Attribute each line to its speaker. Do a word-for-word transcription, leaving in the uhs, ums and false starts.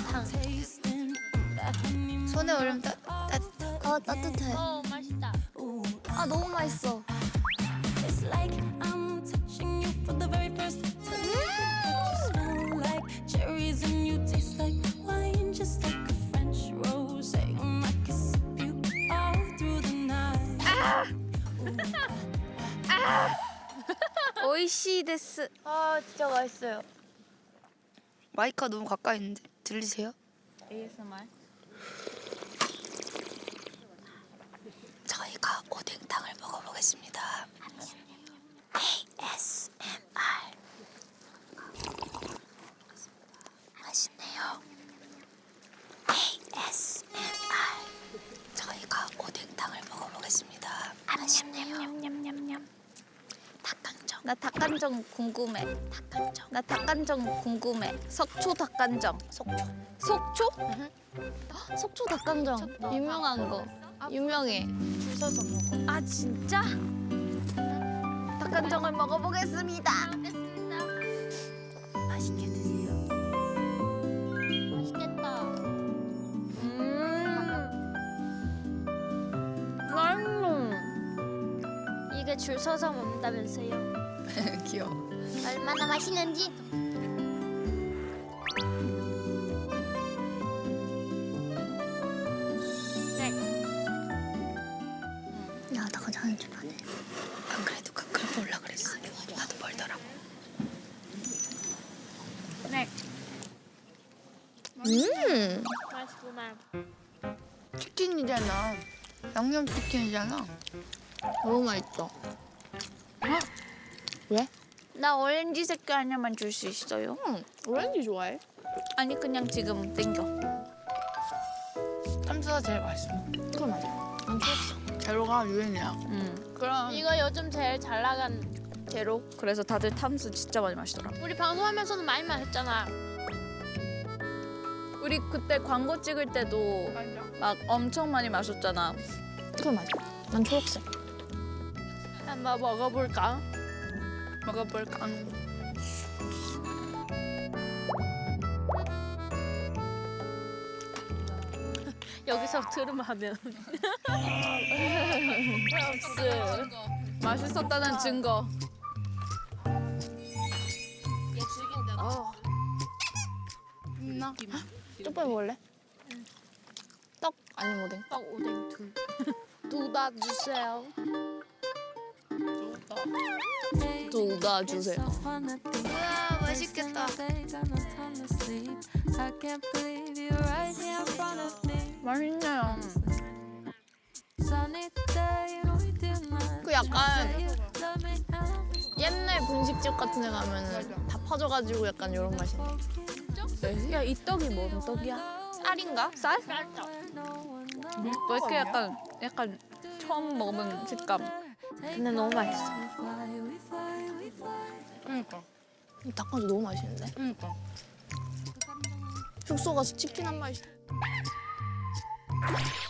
Speaker 1: 탕.
Speaker 2: 손에 올리면 따, 따뜻해.
Speaker 1: 어 따뜻해.
Speaker 3: 어 맛있다.
Speaker 1: 아 너무 맛있어.
Speaker 2: 오이시 데스.
Speaker 1: 아 진짜 맛있어요.
Speaker 2: 마이크가 너무 가까이 있는데 들리세요?
Speaker 3: 에이에스엠알.
Speaker 2: 저희가 오뎅탕을 먹어보겠습니다. 에이에스엠알. 맛있네요. 에이에스엠알. 저희가 오뎅탕을 먹어보겠습니다. 맛있네요.
Speaker 3: 냠냠냠냠.
Speaker 2: 닭강정.
Speaker 1: 나 닭간정 궁금해.
Speaker 2: 닭강정.
Speaker 1: 나 닭간정 궁금해. 속초 닭간정.
Speaker 2: 속초.
Speaker 1: 속초? 헉, 속초 닭간정 유명한 거. 유명해.
Speaker 2: 줄 서서 먹어.
Speaker 1: 아 진짜? 닭간정을 먹어보겠습니다.
Speaker 3: 먹겠습니다.
Speaker 2: 맛있게 드세요.
Speaker 3: 맛있겠다.
Speaker 1: 음. 맛있어.
Speaker 3: 이게 줄 서서 먹는다면서요?
Speaker 2: 귀여워.
Speaker 3: 얼마나 맛있는지. 네.
Speaker 1: 야 닭간정 하는 줄 아네.
Speaker 2: 안 그래도 가끔 볼라 그랬어. 나도 멀더라고.
Speaker 3: 네.
Speaker 1: 음.
Speaker 3: 맛있구만.
Speaker 2: 치킨이잖아. 양념 치킨이잖아.
Speaker 1: 너무 맛있어. 왜?
Speaker 3: 나 오렌지 색깔 하나만 줄 수 있어요?
Speaker 1: 응. 오렌지 좋아해?
Speaker 3: 아니 그냥 지금 땡겨.
Speaker 2: 탐수가 제일 맛있어.
Speaker 1: 그건 맞아. 난 좋았어.
Speaker 2: 재료가 유행이야.
Speaker 3: 음.
Speaker 1: 그럼
Speaker 3: 이거 요즘 제일 잘 나간
Speaker 1: 제로. 그래서 다들 탐수 진짜 많이 마시더라.
Speaker 3: 우리 방송하면서는 많이 마셨잖아.
Speaker 1: 우리 그때 광고 찍을 때도 막 엄청 많이 마셨잖아. 그건 맞아. 난 초록색.
Speaker 3: 한번 먹어볼까?
Speaker 2: 먹어볼까?
Speaker 3: 여기서 들음하면
Speaker 1: 맛있었다는 증거.
Speaker 3: 얘 죽인다.
Speaker 1: 어.
Speaker 2: 있나?
Speaker 1: 쪽발 먹을래? 떡 아니면 오뎅?
Speaker 3: 떡 오뎅 둘. 둘 다 주세요.
Speaker 1: 둘 다 주세요.
Speaker 2: 우와 맛있겠다.
Speaker 1: 맛있네요. 그 약간 옛날 분식집 같은 데 가면은 다 퍼져가지고 약간 이런 맛인데. 야, 이 떡이 뭔 떡이야? 쌀인가? 쌀?
Speaker 3: 쌀떡.
Speaker 1: 왜 이렇게 약간 약간 처음 먹어본 식감. 근데 너무 맛있어.
Speaker 2: 그러니까.
Speaker 1: 이 닭강정 너무 맛있는데?
Speaker 2: 그러니까.
Speaker 1: 숙소 가서 치킨 한 마리. 시-